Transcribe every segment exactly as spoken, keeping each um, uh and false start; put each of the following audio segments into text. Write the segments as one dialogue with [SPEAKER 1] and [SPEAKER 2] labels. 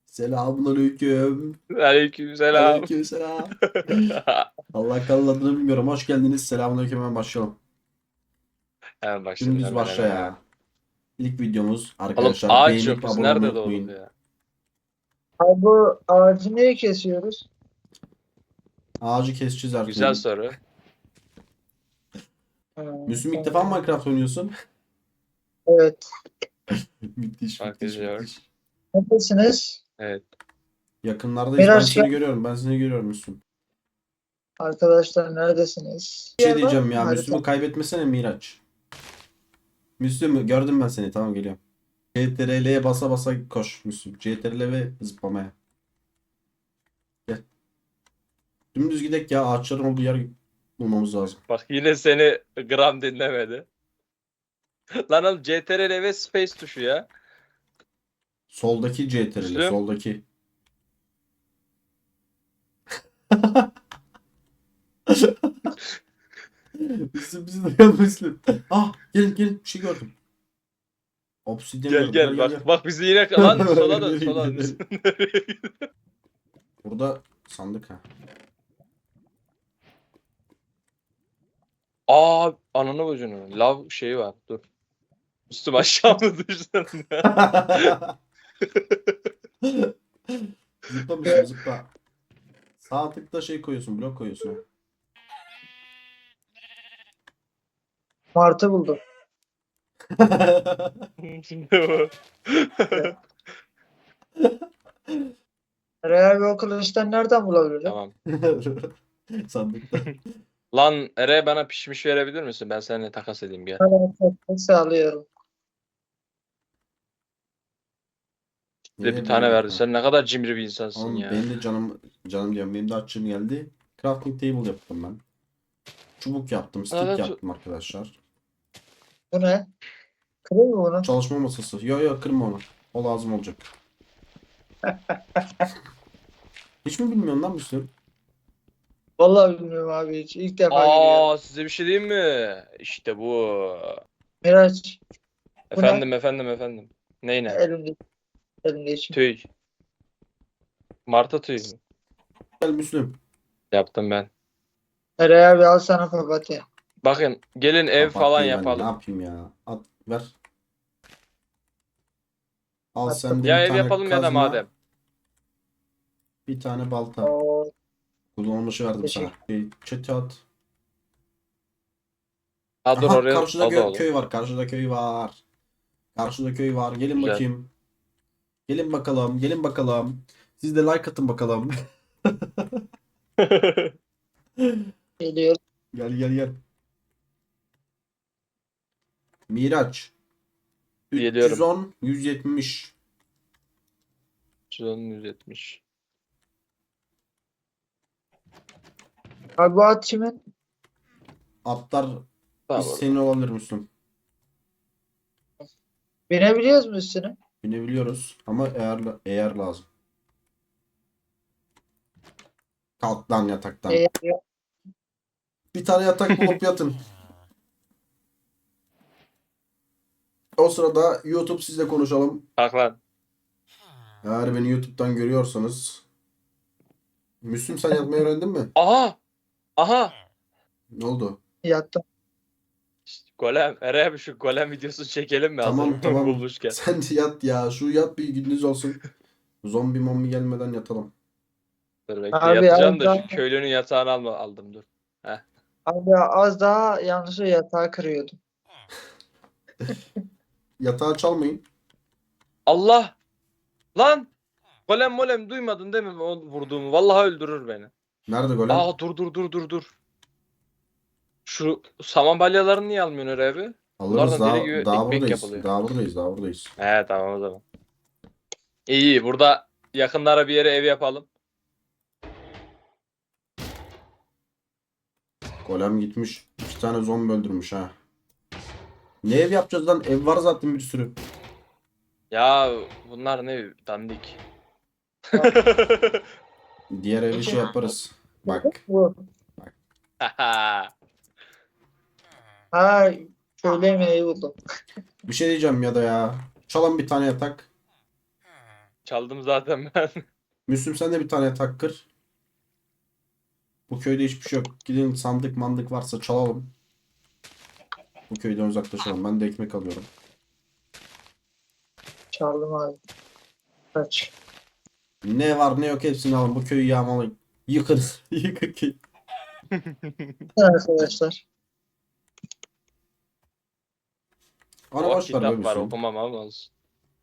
[SPEAKER 1] Selamünaleyküm.
[SPEAKER 2] Aleykümselam.
[SPEAKER 1] Aleykümselam. Allah kanalının adını bilmiyorum. Hoş geldiniz. Selamünaleyküm. Hemen başlayalım.
[SPEAKER 2] Hemen başladık,
[SPEAKER 1] Dümdüz
[SPEAKER 2] hemen
[SPEAKER 1] başla
[SPEAKER 2] hemen hemen.
[SPEAKER 1] ya. İlk videomuz
[SPEAKER 2] Oğlum
[SPEAKER 1] arkadaşlar.
[SPEAKER 2] ağaç yok.
[SPEAKER 1] Beğenip
[SPEAKER 2] Biz
[SPEAKER 1] abone olmayı
[SPEAKER 2] nerede doğduk
[SPEAKER 1] unutmayın.
[SPEAKER 2] ya?
[SPEAKER 3] Abi bu ağacı niye kesiyoruz?
[SPEAKER 1] Ağacı keseceğiz her
[SPEAKER 2] Güzel
[SPEAKER 1] türlü.
[SPEAKER 2] soru.
[SPEAKER 3] Ha,
[SPEAKER 1] Müslüm ilk defa
[SPEAKER 3] tamam.
[SPEAKER 1] mı Minecraft oynuyorsun?
[SPEAKER 3] Evet.
[SPEAKER 1] Müthiş müthiş
[SPEAKER 2] Bakıyor.
[SPEAKER 1] müthiş.
[SPEAKER 3] Neredesiniz?
[SPEAKER 2] Evet.
[SPEAKER 1] Yakınlardayız. Ben
[SPEAKER 3] Miraç
[SPEAKER 1] seni
[SPEAKER 3] gel.
[SPEAKER 1] görüyorum. Ben seni görüyorum Müslüm.
[SPEAKER 3] Arkadaşlar neredesiniz?
[SPEAKER 1] Bir şey
[SPEAKER 3] Yer var
[SPEAKER 1] diyeceğim
[SPEAKER 3] mı
[SPEAKER 1] ya.
[SPEAKER 3] harita?
[SPEAKER 1] Müslüm'ü kaybetmesene Miraç. Müslüm gördüm ben seni. Tamam geliyorum. C T R L'ye basa basa koş Müslüm. C T R L ve zıplamaya. Gel. Dümdüz gidek ya. Ağaçların olduğu yer bulmamız lazım.
[SPEAKER 2] Bak yine seni gram dinlemedi. Lan oğlum C T R L ve space tuşu ya.
[SPEAKER 1] Soldaki C T R L.
[SPEAKER 2] Müslüm.
[SPEAKER 1] Soldaki. Müslüm bizi duyan Müslüm. Ah gelin gelin bir şey gördüm. Obsidyen
[SPEAKER 2] Gel
[SPEAKER 1] gördüm.
[SPEAKER 2] gel bak bak bizi yine lan sola dön
[SPEAKER 1] Nereye
[SPEAKER 2] sola dön.
[SPEAKER 1] gidelim? Burada sandık ha.
[SPEAKER 2] Aa ananı bacını. Lav şeyi var. Dur. Üstüm aşağı mı düştün?
[SPEAKER 1] Zıpla Müslüm zıpla. Sağ tıkta şey koyuyorsun, blok koyuyorsun ha.
[SPEAKER 3] Martı buldum.
[SPEAKER 2] Şimdi bu.
[SPEAKER 3] Real o kılıçtan nereden bulabilirim?
[SPEAKER 2] Tamam.
[SPEAKER 1] Sandıkta.
[SPEAKER 2] Lan Ere bana pişmiş verebilir misin? Ben seninle takas edeyim gel.
[SPEAKER 3] Hemen teknik sağlıyorum.
[SPEAKER 2] Bir de bir
[SPEAKER 1] Niye
[SPEAKER 2] tane
[SPEAKER 1] böyle-
[SPEAKER 2] verdi. Sen ne kadar cimri bir insansın
[SPEAKER 1] Oğlum
[SPEAKER 2] ya.
[SPEAKER 1] benim de canım canım diyorum. Benim de açlığım geldi. Crafting table yaptım ben. Çubuk yaptım, stick
[SPEAKER 2] Evet.
[SPEAKER 1] yaptım arkadaşlar.
[SPEAKER 3] Bu ne? Kırıyor mu bunu?
[SPEAKER 1] Çalışma masası. Yo yo kırma onu. O lazım olacak. Hiç mi bilmiyorsun lan Müslüm?
[SPEAKER 3] Vallahi bilmiyorum abi hiç. İlk defa görüyorum.
[SPEAKER 2] Aa size bir şey diyeyim mi? İşte bu.
[SPEAKER 3] Miraç Bu ne?
[SPEAKER 2] Efendim efendim efendim. Ney ne?
[SPEAKER 3] elimde. Elimde için.
[SPEAKER 2] Tüy. Martı tüy mü?
[SPEAKER 1] Gel Müslüm.
[SPEAKER 2] Yaptım ben.
[SPEAKER 3] Real bir al sana papatya.
[SPEAKER 2] Bakın gelin ev falan
[SPEAKER 1] Papatyayı ben
[SPEAKER 2] yapalım.
[SPEAKER 1] Ne yapayım ya? At ver. Al
[SPEAKER 3] Attım.
[SPEAKER 1] sen de
[SPEAKER 2] Ya
[SPEAKER 1] bir
[SPEAKER 2] ev
[SPEAKER 1] tane
[SPEAKER 2] yapalım ya da
[SPEAKER 1] kazma,
[SPEAKER 2] madem.
[SPEAKER 1] bir tane balta.
[SPEAKER 3] Oo,
[SPEAKER 1] Kullanılmışı verdim
[SPEAKER 3] Teşekkür-
[SPEAKER 1] sana. Bir çete at.
[SPEAKER 2] Ha dur
[SPEAKER 1] Aha,
[SPEAKER 2] oraya
[SPEAKER 1] karşıda
[SPEAKER 2] o da
[SPEAKER 1] gö-
[SPEAKER 2] olur.
[SPEAKER 1] köy var. Karşıda köy var. Karşıda köy var. Gelin
[SPEAKER 2] Güzel.
[SPEAKER 1] bakayım. Gelin bakalım. Gelin bakalım. Siz de like atın bakalım.
[SPEAKER 3] geliyor.
[SPEAKER 1] Gel gel gel. Miraç.
[SPEAKER 2] Geliyorum.
[SPEAKER 1] üç yüz on yüz yetmiş.
[SPEAKER 2] yüz on, yüz yetmiş.
[SPEAKER 3] Abi bu at kimin?
[SPEAKER 1] Atlar
[SPEAKER 2] Tamam.
[SPEAKER 1] biz senin olabilir Müslüm.
[SPEAKER 3] Binebiliyoruz mu üstüne?
[SPEAKER 1] Binebiliyoruz ama eğer eğer lazım. Kalk lan yataktan.
[SPEAKER 3] Ee,
[SPEAKER 1] Bir tane yatak bulup yatın. O sırada YouTube sizle konuşalım.
[SPEAKER 2] Kalk lan.
[SPEAKER 1] Eğer beni YouTube'dan görüyorsanız. Müslüm sen yatmayı öğrendin mi?
[SPEAKER 2] Aha! Aha!
[SPEAKER 1] Ne oldu?
[SPEAKER 3] yattım.
[SPEAKER 2] İşte golem. Ere abi şu golem videosu çekelim mi?
[SPEAKER 1] Tamam
[SPEAKER 2] Hazır
[SPEAKER 1] tamam.
[SPEAKER 2] bulmuşken.
[SPEAKER 1] Sen de yat ya. Şu yat bir gündüz olsun. Zombi mombi gelmeden yatalım.
[SPEAKER 2] Dur bekle
[SPEAKER 3] Abi
[SPEAKER 2] yatacağım da
[SPEAKER 3] az
[SPEAKER 2] şu köylünün yatağını alma, aldım dur.
[SPEAKER 3] Abi az daha yanlışlıkla yatağı kırıyordum.
[SPEAKER 1] Yatağı çalmayın.
[SPEAKER 2] Allah! Lan! Golem molem duymadın değil mi o vurduğumu? Vallahi öldürür beni.
[SPEAKER 1] Nerede golem?
[SPEAKER 2] Aa dur dur dur dur dur. Şu saman balyalarını niye almıyorsun Ere abi?
[SPEAKER 1] Alırız
[SPEAKER 2] bunlardan
[SPEAKER 1] daha,
[SPEAKER 2] deli gibi
[SPEAKER 1] daha
[SPEAKER 2] ekmek
[SPEAKER 1] buradayız.
[SPEAKER 2] yapılıyor.
[SPEAKER 1] Daha buradayız. Daha buradayız.
[SPEAKER 2] He tamam o zaman. İyi iyi burada yakınlara bir yere ev yapalım.
[SPEAKER 1] Golem gitmiş. İki tane zombi öldürmüş ha. Ne ev yapacağız lan? Ev var zaten bir sürü.
[SPEAKER 2] Ya bunlar ne dandik.
[SPEAKER 1] Diğer evi şey yaparız. Bak.
[SPEAKER 3] Bu. Ha şöyle yemeği buldum.
[SPEAKER 1] Bir şey diyeceğim ya da ya. Çalın bir tane yatak.
[SPEAKER 2] Çaldım zaten ben.
[SPEAKER 1] Müslüm sen de bir tane yatak kır. Bu köyde hiçbir şey yok. Gidin sandık mandık varsa çalalım. Bu köyden uzaklaşalım. Ben de ekmek alıyorum.
[SPEAKER 3] Çaldım abi. Kaç.
[SPEAKER 1] Ne var ne yok hepsini alın. Bu köyü yağmalayın. Yıkın. Yıkın köyü.
[SPEAKER 3] Arkadaşlar.
[SPEAKER 1] Ana
[SPEAKER 2] Oh,
[SPEAKER 1] boş ver be
[SPEAKER 2] kitap var
[SPEAKER 1] Müslüm.
[SPEAKER 2] okumam olmaz.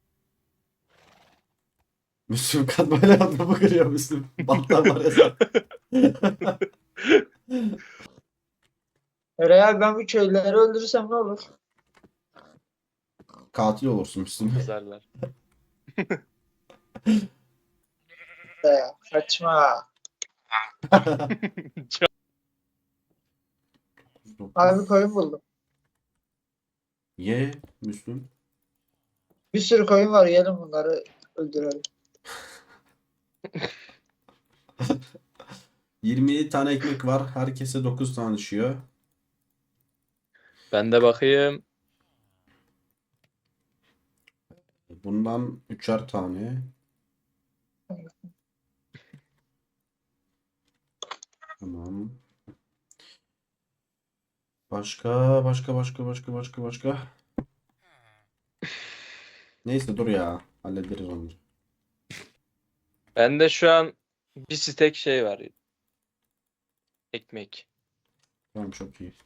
[SPEAKER 1] Müslüm katmayla adamı kırıyor Müslüm. Battan var ya sen.
[SPEAKER 3] Eray abi ben bu köylüleri öldürürsem ne olur?
[SPEAKER 1] Katil olursun Müslüm.
[SPEAKER 2] Yazarlar.
[SPEAKER 3] Be, kaçma. Abi koyun buldum.
[SPEAKER 1] Ye Müslüm.
[SPEAKER 3] Bir sürü koyun var. Gelin bunları öldürelim.
[SPEAKER 1] yirmi yedi tane ekmek var. Herkese dokuz tane düşüyor.
[SPEAKER 2] Ben de bakayım.
[SPEAKER 1] Bundan üçer tane. Tamam. Başka, başka, başka, başka, başka, başka. Neyse dur ya. Hallederiz onları.
[SPEAKER 2] Bende şu an bir stek şey var. Ekmek.
[SPEAKER 1] Tamam çok iyi.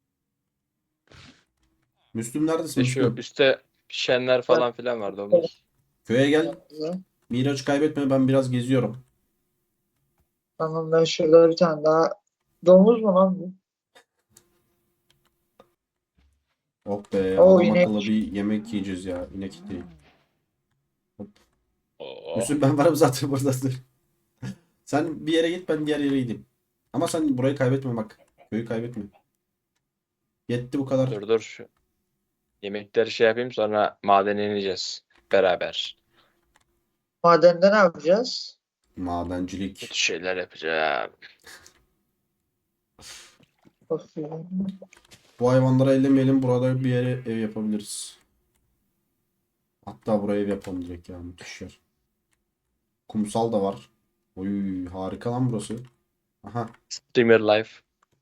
[SPEAKER 1] Müslüm neredesin
[SPEAKER 2] İşte şu
[SPEAKER 1] Müslüm?
[SPEAKER 2] üstte pişenler falan filan var domuz.
[SPEAKER 1] Köye gel. Miraç kaybetme ben biraz geziyorum.
[SPEAKER 3] Tamam ben şurada bir tane daha. Domuz mu lan bu?
[SPEAKER 1] Oh be
[SPEAKER 3] Oo,
[SPEAKER 1] adam
[SPEAKER 3] inek.
[SPEAKER 1] akıllı bir yemek yiyeceğiz ya. İnek değil.
[SPEAKER 2] Oo.
[SPEAKER 1] Müslüm ben varım zaten burada. Sen bir yere git ben diğer yere gideyim. Ama sen burayı kaybetme bak. Köyü kaybetme. Yetti bu kadar.
[SPEAKER 2] Dur dur şu. Yemekleri şey yapayım sonra madene ineceğiz. Beraber.
[SPEAKER 3] Madende ne yapacağız?
[SPEAKER 1] Madencilik.
[SPEAKER 2] Kötü şeyler yapacağım.
[SPEAKER 3] Of ya.
[SPEAKER 1] Bu hayvanları ellemeyelim. Burada bir yere ev yapabiliriz. Hatta buraya ev yapalım direkt ya. Müthiş yer. Kumsal da var. Oy harika lan burası. Aha.
[SPEAKER 2] Streamer life.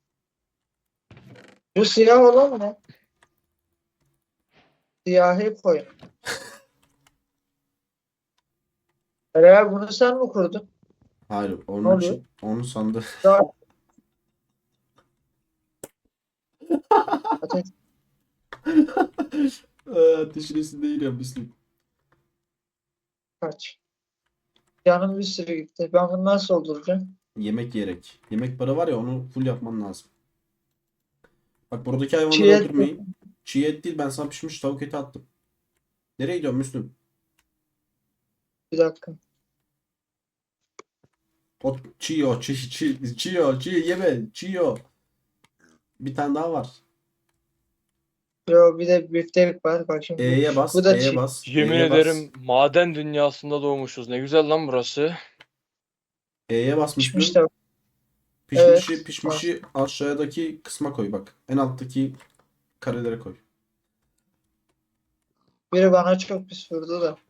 [SPEAKER 3] Bu siyah olan ne? Siyahi koyun. Eray abi bunu sen mi kurdun?
[SPEAKER 1] Hayır
[SPEAKER 3] Ne
[SPEAKER 1] onun
[SPEAKER 3] oluyor?
[SPEAKER 1] için onu sandı.
[SPEAKER 3] Daha... Ateş.
[SPEAKER 1] Ateşin üstünde yürüyor Müslüm.
[SPEAKER 3] Kaç. Canım bir sürü gitti. Ben bunu nasıl dolduracağım?
[SPEAKER 1] Yemek yiyerek. Yemek para var ya onu full yapman lazım. Bak buradaki hayvanları
[SPEAKER 3] Çiğ et-
[SPEAKER 1] öldürmeyin. Çiğ et değil ben sana pişmiş tavuk eti attım. Nereye gidiyorsun Müslüm?
[SPEAKER 3] Bir dakika.
[SPEAKER 1] O çiğ o çiğ çiğ çiğ o çiğ yeme çiğ o. Bir tane daha var.
[SPEAKER 3] Yo bir de biftek var. Bak şimdi.
[SPEAKER 1] E'ye bas,
[SPEAKER 3] Bu da
[SPEAKER 1] E'ye
[SPEAKER 3] çiğ.
[SPEAKER 1] bas.
[SPEAKER 2] Yemin
[SPEAKER 1] E'ye bas.
[SPEAKER 2] ederim maden dünyasında doğmuşuz. Ne güzel lan burası.
[SPEAKER 1] E'ye bas
[SPEAKER 3] Pişmiş
[SPEAKER 1] Müslüm.
[SPEAKER 3] de.
[SPEAKER 1] Pişmişi
[SPEAKER 3] Evet,
[SPEAKER 1] pişmişi aşağıdaki kısma koy bak. En alttaki karelere koy.
[SPEAKER 3] Biri bana çok pis vurdu da.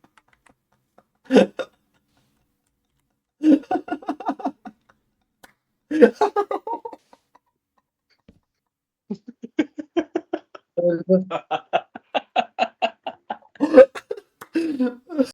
[SPEAKER 3] Öldü.